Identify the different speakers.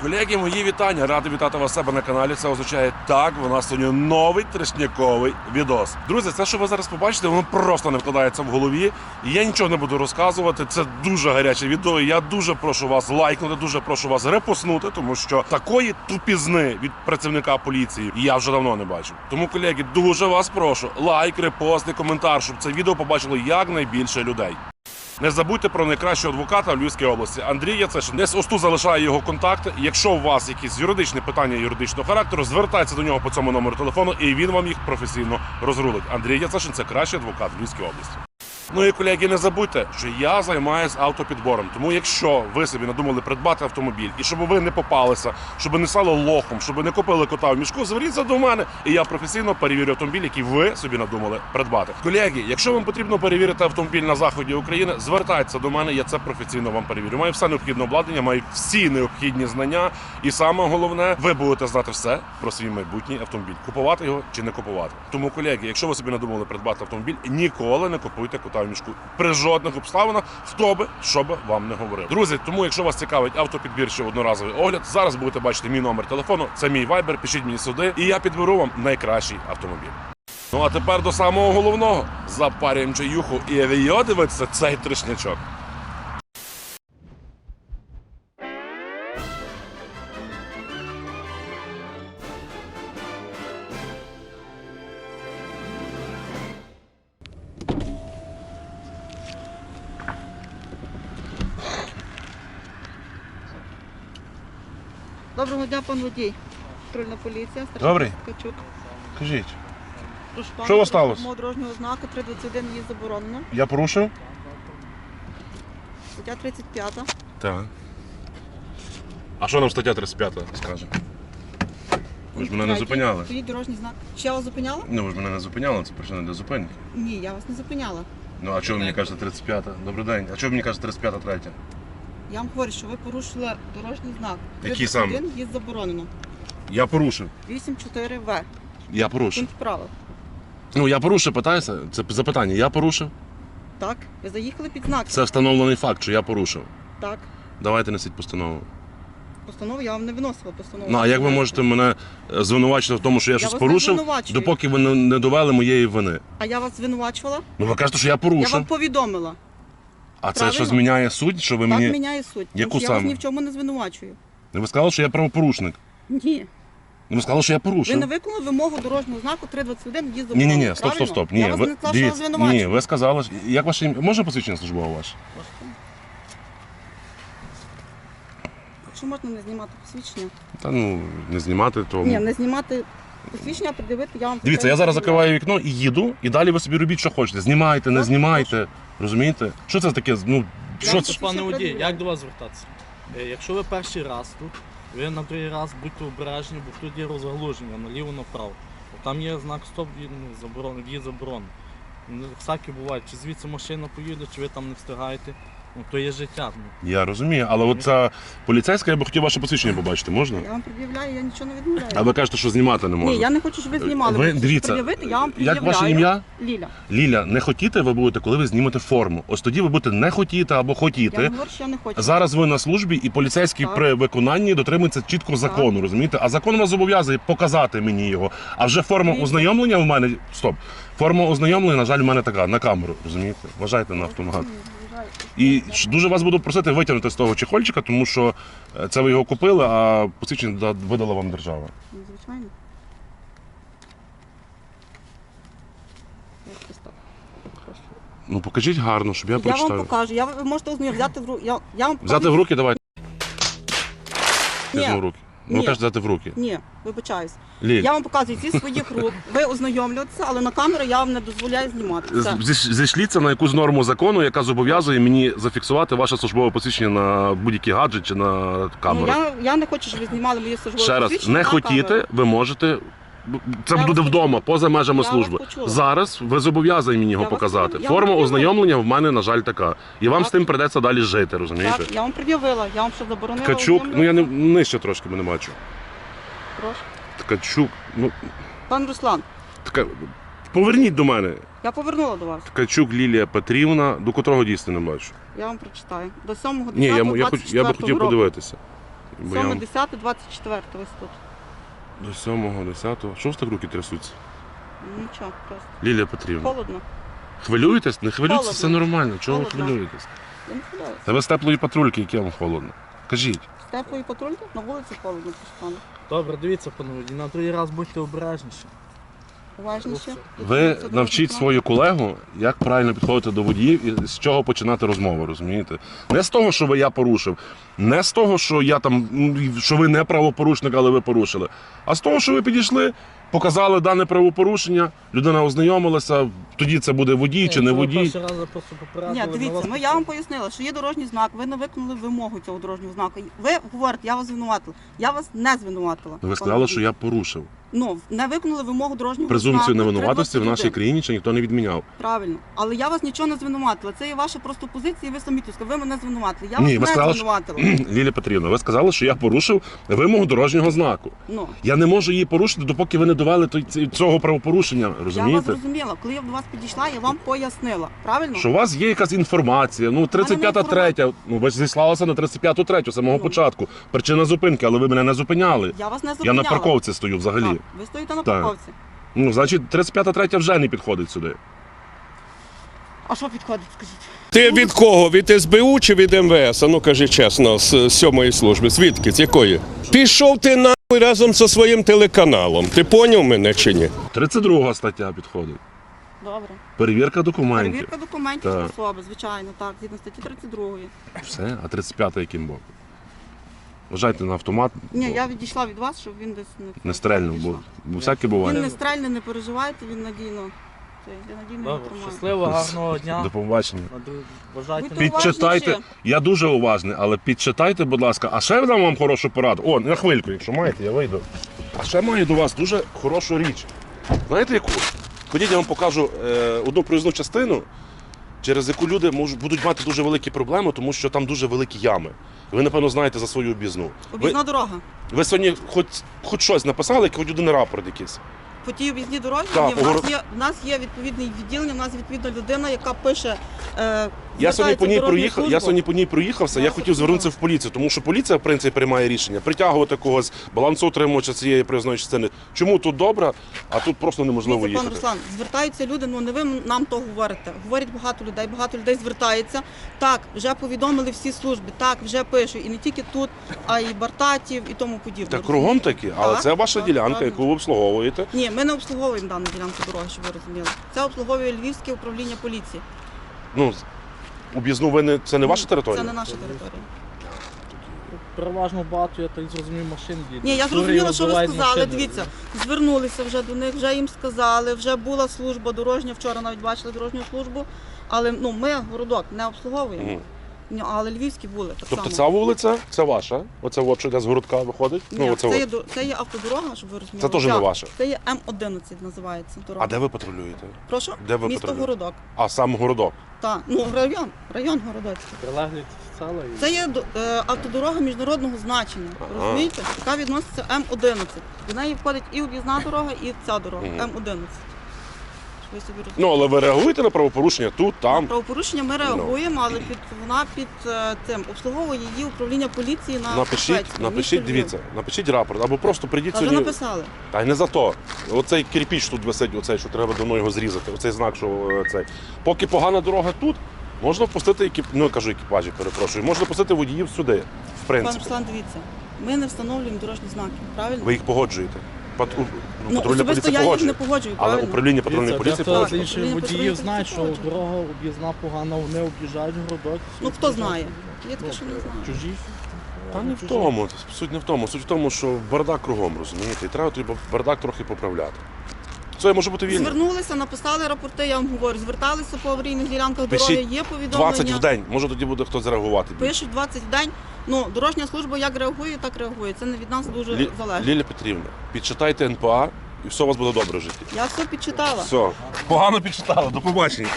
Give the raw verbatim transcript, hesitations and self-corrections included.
Speaker 1: Колеги, мої вітання. Радий вітати вас у себе на каналі. Це означає так, у нас сьогодні новий трешняковий відос. Друзі, це, що ви зараз побачите, воно просто не вкладається в голові. І я нічого не буду розказувати. Це дуже гаряче відео. І я дуже прошу вас лайкнути, дуже прошу вас репостнути, тому що такої тупізни від працівника поліції я вже давно не бачив. Тому, колеги, дуже вас прошу. Лайк, репост і коментар, щоб це відео побачило якнайбільше людей. Не забудьте про найкращого адвоката в Львівській області Андрій Яцешин. Десь ось тут залишаю його контакти. Якщо у вас якісь юридичні питання юридичного характеру, звертайтеся до нього по цьому номеру телефону, і він вам їх професійно розрулить. Андрій Яцешин – це кращий адвокат в Львівській області. Ну і, колеги, не забудьте, що я займаюся автопідбором. Тому якщо ви собі надумали придбати автомобіль, і щоб ви не попалися, щоб не стало лохом, щоб не купили кота в мішку, зверніться до мене, і я професійно перевірю автомобіль, який ви собі надумали придбати. Колеги, якщо вам потрібно перевірити автомобіль на заході України, звертайтеся до мене, я це професійно вам перевірю. Маю все необхідне обладнання, маю всі необхідні знання, і саме головне, ви будете знати все про свій майбутній автомобіль. Купувати його чи не купувати. Тому, колеги, якщо ви собі надумали придбати автомобіль, ніколи не купуйте кота в мішку. При жодних обставинах, хто би, що би вам не говорив. Друзі, тому якщо вас цікавить автопідбір чи одноразовий огляд, зараз будете бачити мій номер телефону, це мій вайбер, пишіть мені сюди, і я підберу вам найкращий автомобіль. Ну а тепер до самого головного. Запарюємо чаюху і авіо дивиться цей трешнячок.
Speaker 2: Доброго дня, пан водій. Патрульна поліція.
Speaker 1: Добрий.
Speaker 2: Ткачук.
Speaker 1: Кажіть,
Speaker 2: Прошу
Speaker 1: Що у вас
Speaker 2: пана,
Speaker 1: сталося?
Speaker 2: мого дорожнього знаку три двадцять один їзд заборонено.
Speaker 1: я порушив?
Speaker 2: Стаття тридцять п'ята.
Speaker 1: Так. А що нам стаття тридцять п'ята скаже? Ви ж мене не зупиняли.
Speaker 2: Стоїть дорожній знак. Чи я вас зупиняла?
Speaker 1: Ну, ви ж мене не зупиняли, це причина для зупинки.
Speaker 2: Ні, я вас не зупиняла.
Speaker 1: Ну, а чого ви мені кажете тридцять п'ята? Добрий день. А чого ви мені кажете тридцять п'ята третя?
Speaker 2: Я вам говорю, що ви порушили дорожній знак.
Speaker 1: Який саме?
Speaker 2: три двадцять один їзд заборонено.
Speaker 1: Я порушив.
Speaker 2: вісім чотири В.
Speaker 1: Я порушив.
Speaker 2: Пункт правил.
Speaker 1: Ну, я порушив, питаюся. Це запитання. Я порушив?
Speaker 2: Так, ви заїхали під знак.
Speaker 1: Це встановлений факт, що я порушив.
Speaker 2: Так.
Speaker 1: Давайте несіть постанову.
Speaker 2: Постанову я вам не виносила постанову.
Speaker 1: Ну, а як ви можете мене е, звинувачити в тому, що я,
Speaker 2: Я
Speaker 1: щось
Speaker 2: вас не
Speaker 1: порушив,
Speaker 2: звинувачую.
Speaker 1: допоки ви не- не довели моєї вини?
Speaker 2: А я вас звинувачувала?
Speaker 1: Ну, ви кажете, що я
Speaker 2: Я
Speaker 1: порушив.
Speaker 2: вам повідомила.
Speaker 1: А це
Speaker 2: правильно.
Speaker 1: що зміняє суть, що ви
Speaker 2: Так
Speaker 1: мені...
Speaker 2: міняє суть.
Speaker 1: Яку
Speaker 2: Тому що я вас
Speaker 1: саме?
Speaker 2: ні в чому не звинувачую.
Speaker 1: Ви сказали, що я правопорушник.
Speaker 2: Ні.
Speaker 1: Ви сказали, що я
Speaker 2: Ви
Speaker 1: порушив.
Speaker 2: не виконали вимогу дорожнього знаку три двадцять один їзд
Speaker 1: Ні,
Speaker 2: заборонено.
Speaker 1: ні, ні, стоп, стоп, стоп. Ні,
Speaker 2: Я вас
Speaker 1: ви,
Speaker 2: не сказала, що я вас
Speaker 1: дивіться,
Speaker 2: звинувачую.
Speaker 1: ні, ви сказали, що- як ваше ім'я? Можна посвідчення службове ваше?
Speaker 2: Якщо можна не знімати посвідчення.
Speaker 1: Та ну, не знімати, то...
Speaker 2: Ні, не знімати посвідчення, придивити, я вам...
Speaker 1: Дивіться, я зараз закриваю вікно і їду, і далі ви собі робіть, що хочете. Знімайте, не
Speaker 2: Так,
Speaker 1: знімайте. Розумієте? Що це таке? Ну, що
Speaker 2: вам
Speaker 1: це?
Speaker 2: хочу-
Speaker 3: Пане водій,
Speaker 2: пред'являю.
Speaker 3: як до вас звертатися? Е, Якщо ви перший раз тут, ви на другий раз будьте обережні, бо тут є розгалуження наліво-направо. Там є знак стоп, він заборонений, в'їзд заборонений. Ну, всякі бувають, чи звідси машина поїде, чи ви там не встигаєте. Ну, то є життя. Ну,
Speaker 1: Я розумію, але от ця поліцейська, я би хотів ваше посвідчення побачити, можна?
Speaker 2: Я вам пред'являю, я нічого не відмовляю.
Speaker 1: А ви кажете, що знімати не можна.
Speaker 2: Ні, я не хочу, щоб ви знімали.
Speaker 1: Ви,
Speaker 2: Хочу
Speaker 1: дивіться,
Speaker 2: пред'явити, я вам
Speaker 1: як
Speaker 2: пред'являю.
Speaker 1: ваше ім'я?
Speaker 2: Ліля.
Speaker 1: Ліля, не хотіти ви будете, коли ви знімете форму. Ось тоді ви будете не хотіти або
Speaker 2: Я
Speaker 1: хотіти.
Speaker 2: вам говорю, що я не хочу.
Speaker 1: Зараз ви на службі, і поліцейський
Speaker 2: Так.
Speaker 1: при виконанні дотримується чітко закону, розумієте? А закон вас зобов'язує показати мені його. А вже форма
Speaker 2: Дивіться.
Speaker 1: ознайомлення в мене. Стоп. Форма ознайомлення, на жаль, в мене така на камеру, розумієте? Вважайте на автомагат. І ж дуже вас буду просити витягнути з того чехольчика, тому що е, це ви його купили, а посвідчення да- видала вам держава.
Speaker 2: Ну, звичайно. Ось так. Прошу.
Speaker 1: Ну покажіть гарно, щоб я,
Speaker 2: Я вам
Speaker 1: прочитав.
Speaker 2: покажу. Я, ви можете ознайомити, взяти в руки. Я, я вам
Speaker 1: Взяти в руки, давайте.
Speaker 2: Ні.
Speaker 1: Візьму в руки. Ну,
Speaker 2: Ні.
Speaker 1: кажете, взяти в руки.
Speaker 2: Ні, вибачаюсь.
Speaker 1: Ліль,
Speaker 2: Я вам показую зі своїх рук. Ви ознайомлюєтеся, але на камеру я вам не дозволяю знімати. Все.
Speaker 1: зі- зійшліться на якусь норму закону, яка зобов'язує мені зафіксувати ваше службове посвідчення на будь-який гаджет чи на
Speaker 2: Ну,
Speaker 1: камеру.
Speaker 2: я, я не хочу, щоб ви знімали мої службові
Speaker 1: Ще раз,
Speaker 2: посвідчення
Speaker 1: не
Speaker 2: на
Speaker 1: хотіти,
Speaker 2: камеру.
Speaker 1: ви можете. Це
Speaker 2: Я
Speaker 1: буде
Speaker 2: вас
Speaker 1: вдома, поза межами
Speaker 2: Я вас
Speaker 1: служби.
Speaker 2: почула.
Speaker 1: Зараз ви зобов'язані мені його
Speaker 2: Я вас
Speaker 1: показати.
Speaker 2: почула. Я
Speaker 1: Форма
Speaker 2: вам
Speaker 1: ознайомлення в мене, на жаль, така. І вам
Speaker 2: Так.
Speaker 1: з тим придеться далі жити, розумієте?
Speaker 2: Так, я вам пред'явила, я вам що заборонила.
Speaker 1: Ткачук, ну я не
Speaker 2: ознайомлюватися?
Speaker 1: нижче трошки бо не бачу.
Speaker 2: Прошу.
Speaker 1: Ткачук, ну
Speaker 2: Пан Руслан,
Speaker 1: така. Поверніть до мене.
Speaker 2: я повернула до вас.
Speaker 1: Ткачук Лілія Петрівна, до котрого дійсно не бачу.
Speaker 2: Я вам прочитаю. До сьомого
Speaker 1: Ні, я, я, хоч- я би хотів
Speaker 2: року.
Speaker 1: подивитися. Бо я
Speaker 2: сьоме, десяте, двадцять четверте ось тут.
Speaker 1: до сьомого, десятого. Що ж так руки трясуться?
Speaker 2: Нічого, просто.
Speaker 1: Лілія Петрівна.
Speaker 2: Холодно.
Speaker 1: Хвилюєтесь? Не хвилюйтесь,
Speaker 2: Холодно.
Speaker 1: все нормально. Чого ви
Speaker 2: Холодно.
Speaker 1: хвилюєтесь?
Speaker 2: Я не хвилююся.
Speaker 1: Та ви з теплої патрульки, яке вам холодно. Кажіть.
Speaker 2: З теплої патрульки на вулиці холодно постане.
Speaker 3: Добре, дивіться, панове, і на другий раз будьте обережніші.
Speaker 2: Уважніше.
Speaker 1: Ви
Speaker 2: Це
Speaker 1: навчіть
Speaker 2: дуже
Speaker 1: свою колегу, як правильно підходити до водіїв і з чого починати розмову, розумієте? Не з того, що ви я порушив, не з того, що я там, ну, що ви не правопорушник, але ви порушили, а з того, що ви підійшли, показали дане правопорушення, людина ознайомилася, тоді це буде водій чи не
Speaker 3: Якщо ви
Speaker 1: водій.
Speaker 3: перший раз просто попередили,
Speaker 2: Ні,
Speaker 3: на
Speaker 2: дивіться,
Speaker 3: вас
Speaker 2: ну я вам пояснила, що є дорожній знак, ви не виконали вимогу цього дорожнього знаку. Ви говорите, я вас звинуватила. Я вас не звинуватила.
Speaker 1: Ви сказали, що я порушив.
Speaker 2: Ну, не виконали вимогу дорожнього
Speaker 1: Презумпцію
Speaker 2: знаку.
Speaker 1: невинуватості в нашій
Speaker 2: три двадцять один.
Speaker 1: країні ще ніхто не відміняв.
Speaker 2: Правильно. Але я вас нічого не звинуватила. Це є ваша просто позиція, і ви самі тут сказали, ви мене звинуватили. Я
Speaker 1: Ні,
Speaker 2: вас
Speaker 1: ви
Speaker 2: не
Speaker 1: сказали, що...
Speaker 2: звинуватила.
Speaker 1: Лілія Петрівна, ви сказали, що я порушив вимогу дорожнього знаку.
Speaker 2: Ну,
Speaker 1: Я не можу її порушити, допоки ви не довели той- ці- цього правопорушення,
Speaker 2: я вас
Speaker 1: розумієте?
Speaker 2: зрозуміла. Коли я до вас підійшла, я вам пояснила. Правильно?
Speaker 1: Що у вас є якась інформація, ну тридцять п'ята третя, ну ви ж зіслалися на тридцять п'яту третю, з самого
Speaker 2: Ну.
Speaker 1: початку. Причина зупинки, але ви мене не зупиняли.
Speaker 2: Я вас не
Speaker 1: Я
Speaker 2: зупиняла.
Speaker 1: на парковці стою взагалі.
Speaker 2: Так, ви стоїте на
Speaker 1: Так.
Speaker 2: парковці.
Speaker 1: Ну, значить, тридцять п'ята третя вже не підходить сюди.
Speaker 2: А що підходить, скажіть?
Speaker 4: Ти від кого? Від ес бе у чи від ем ве ес? А ну кажи чесно, з сьомої служби. Звідки? З якої? Пішов ти нахуй разом зі своїм телеканалом. Ти поняв мене чи ні?
Speaker 1: тридцять друга стаття підходить.
Speaker 2: Добре.
Speaker 1: Перевірка документів.
Speaker 2: Перевірка документів
Speaker 1: Так.
Speaker 2: особи, звичайно, так, згідно статті тридцять другої.
Speaker 1: Все, а тридцять п'ята яким боком? Вважайте на автомат,
Speaker 2: Ні,
Speaker 1: бо
Speaker 2: я відійшла від вас, щоб він десь не,
Speaker 1: не стрельнув, бо, бо всяке
Speaker 2: Він
Speaker 1: буває.
Speaker 2: не стрельне, не переживайте, він надійно. Це, я надійно його
Speaker 3: Добре,
Speaker 2: тримаю.
Speaker 3: щасливо, гарного дня.
Speaker 1: До побачення.
Speaker 3: На друг- Бажайте
Speaker 2: Будьте
Speaker 3: нам-
Speaker 1: Підчитайте,
Speaker 2: уважніші.
Speaker 1: я дуже уважний, але підчитайте, будь ласка, а ще я дам вам хорошу пораду. О, на хвильку, якщо маєте, я вийду. А ще маю до вас дуже хорошу річ. Знаєте яку? Ходіть, я вам покажу е, одну проїзну частину, через яку люди можуть, будуть мати дуже великі проблеми, тому що там дуже великі ями. Ви, напевно, знаєте за свою об'їзну. Ви,
Speaker 2: Об'їзна дорога.
Speaker 1: ви сьогодні хоч, хоч щось написали, хоч один рапорт якийсь.
Speaker 2: По тій об'їзній дорозі
Speaker 1: Так,
Speaker 2: ні, в, нас
Speaker 1: погор-
Speaker 2: є, в нас є відповідне відділення, в нас відповідна людина, яка пише. Е,
Speaker 1: Я сьогодні по ній
Speaker 2: звертається в дорожню
Speaker 1: проїхав, я
Speaker 2: службу.
Speaker 1: сьогодні по ній проїхався, я
Speaker 2: Я
Speaker 1: хотів
Speaker 2: зрозуміла.
Speaker 1: звернутися в поліцію, тому що поліція, в принципі, приймає рішення притягувати когось, балансоутримувача цієї проїзної частини. Чому тут добре, а тут просто неможливо
Speaker 2: Дивіться, пан
Speaker 1: їхати.
Speaker 2: Руслан, звертаються люди, ну не ви нам то говорите. Говорять багато людей, багато людей звертається. Так, вже повідомили всі служби, так, вже пишуть. І не тільки тут, а й Бартатів і тому подібне.
Speaker 1: Та кругом такі, але
Speaker 2: Так,
Speaker 1: це ваша
Speaker 2: так,
Speaker 1: ділянка,
Speaker 2: правильно.
Speaker 1: яку ви обслуговуєте.
Speaker 2: Ні, ми не обслуговуємо дану ділянку дороги, щоб ви розуміли. Це обслуговує Львівське управління поліції.
Speaker 1: Ну, об'їзну ви не це не ваша територія?
Speaker 2: Це не наша територія.
Speaker 3: Переважно багато, я так зрозумів, машин їде.
Speaker 2: Ні, я
Speaker 3: Тури
Speaker 2: зрозуміла, що ви
Speaker 3: розбивають
Speaker 2: сказали.
Speaker 3: машини.
Speaker 2: Дивіться, звернулися вже до них, вже їм сказали, вже була служба дорожня, вчора навіть бачили дорожню службу, але ну, ми городок не обслуговуємо.
Speaker 1: Мгм.
Speaker 2: Ні, але львівські були так
Speaker 1: Тобто
Speaker 2: само.
Speaker 1: ця вулиця, це ваша? Оце от, що йде з городка виходить?
Speaker 2: Ні,
Speaker 1: ну, оце
Speaker 2: це, є,
Speaker 1: от.
Speaker 2: до- це є автодорога, щоб ви розуміли.
Speaker 1: Це теж не
Speaker 2: Так,
Speaker 1: ваша?
Speaker 2: Це є М одинадцять називається дорога.
Speaker 1: А де ви патрулюєте?
Speaker 2: Прошу?
Speaker 1: де ви
Speaker 2: Місто
Speaker 1: патрулюєте?
Speaker 2: Городок.
Speaker 1: А, сам городок.
Speaker 2: Так, ну район, район Городоцький.
Speaker 3: Прилеглі села і...
Speaker 2: Це є до- е, автодорога міжнародного значення.
Speaker 1: Ага.
Speaker 2: Розумієте? Яка відноситься М одинадцять. До неї входить і об'їзна дорога, і ця дорога
Speaker 1: Мгм.
Speaker 2: М одинадцять. Щоб ви собі розуміли.
Speaker 1: Ну, але ви реагуєте на правопорушення тут, там.
Speaker 2: Правопорушення ми реагуємо, але під вона під е, цим обслуговує її управління поліції на
Speaker 1: Напишіть,
Speaker 2: Швецькій,
Speaker 1: напишіть,
Speaker 2: місто Львів.
Speaker 1: дивіться, напишіть рапорт, або просто прийдіть
Speaker 2: Та вже
Speaker 1: сьогодні.
Speaker 2: написали.
Speaker 1: Та й не за то. Оцей кирпіч тут висить, оцей, що треба давно його зрізати. Оцей знак, що е, цей. Поки погана дорога тут, можна впустити екіп... ну, кажу екіпажі, перепрошую, можна пустити водіїв сюди, в
Speaker 2: Пан
Speaker 1: принципі.
Speaker 2: Руслан, дивіться, ми не встановлюємо дорожні знаки, правильно?
Speaker 1: Ви їх погоджуєте. Пат... ну,
Speaker 2: ну,
Speaker 1: патрульна
Speaker 2: особисто
Speaker 1: поліція
Speaker 2: я їх
Speaker 1: погоджує.
Speaker 2: не погоджую,
Speaker 1: Але
Speaker 2: правильно?
Speaker 1: управління патрульної
Speaker 3: Дивіться,
Speaker 1: поліції
Speaker 3: дехто з
Speaker 1: погоджує.
Speaker 3: інших
Speaker 2: Управління
Speaker 3: водіїв
Speaker 2: патрульної
Speaker 3: знає, що
Speaker 2: поліції
Speaker 3: дорога об'їзна погана, вони об'їжджають городок.
Speaker 2: Ну хто знає? Є таке, що не знаю.
Speaker 3: Чужі.
Speaker 1: Та не в тому, суть не в тому. Суть в тому, що бардак кругом, розумієте, і треба той бардак трохи поправляти. Це може бути вільно.
Speaker 2: Звернулися, написали рапорти, я вам говорю, зверталися по аварійних ділянках
Speaker 1: Пишіть
Speaker 2: дороги, є повідомлення.
Speaker 1: двадцять в день, може тоді буде хтось реагувати. більше.
Speaker 2: Пишуть двадцять в день. Ну, дорожня служба як реагує, так реагує. Це не від нас дуже
Speaker 1: Лі...
Speaker 2: залежить.
Speaker 1: Лілія Петрівна, підчитайте ен пе а і все у вас буде добре в житті.
Speaker 2: Я все підчитала.
Speaker 1: Все. Погано підчитала, до побачення.